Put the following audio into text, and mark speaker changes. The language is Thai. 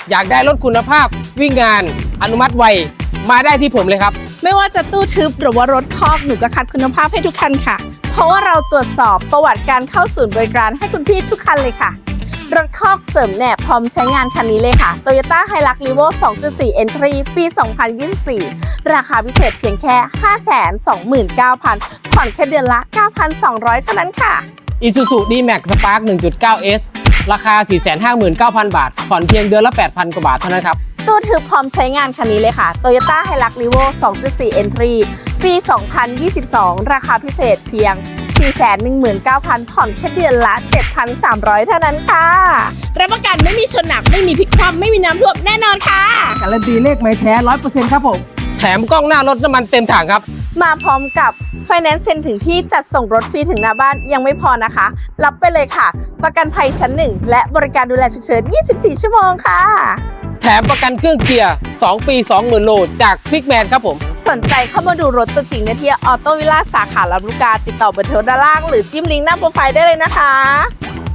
Speaker 1: อยากได้รถคุณภาพวิ่งงานอนุมัติไวมาได้ที่ผมเลยครับ
Speaker 2: ไม่ว่าจะตู้ทึบหรือว่ารถคอกหนูก็คัดคุณภาพให้ทุกคันค่ะ เพราะว่าเราตรวจสอบประวัติการเข้าศูนย์บริการให้คุณพี่ทุกคันเลยค่ะ รถคอกเสริมแหนบพร้อมใช้งานคันนี้เลยค่ะ Toyota Hilux Revo 2.4 Entry ปี 2024 ราคาพิเศษเพียงแค่ 529,000 ผ่อนแค่เดือนละ 9,200 เท่านั้นค่ะ
Speaker 1: Isuzu D-Max Spark 1.9S ราคา 459,000 บาทผ่อนเพียงเดือนละ 8,000 กว่าบาทเท่านั้นครับ
Speaker 2: ตู้ทึบพร้อมใช้งานคันนี้เลยค่ะ Toyota Hilux Revo 2.4 Entry ปี 2022 ราคาพิเศษเพียง 419,000 ผ่อนแค่เดือนละ 7,300 เท่านั้นค่ะรับประกันไม่มีชนหนักไม่มีพลิกคว่ำไม่มีน้ำท่วมแน่นอนค่ะ
Speaker 1: การันตีเลขไม้แท้ 100% ครับผมแถมกล้องหน้ารถน้ำมันเต็มถังครับ
Speaker 2: มาพร้อมกับ Finance เซ็นถึงที่จัดส่งรถฟรีถึงหน้าบ้านยังไม่พอนะคะ รับไปเลยค่ะ ประกันภัยชั้น 1 และบริการดูแลฉุกเฉิน 24 ชั่วโมงค่ะ
Speaker 1: แถมประกันเครื่องเกียร์ 2 ปี 20,000 โลจาก Quickman ครับผม
Speaker 2: สนใจเข้ามาดูรถตัวจริงได้ที่ออโต้วิลล่าสาขาลำลูกกาติดต่อเบอร์โทรด้านล่างหรือจิ้มลิงก์หน้าโปรไฟล์ได้เลยนะคะ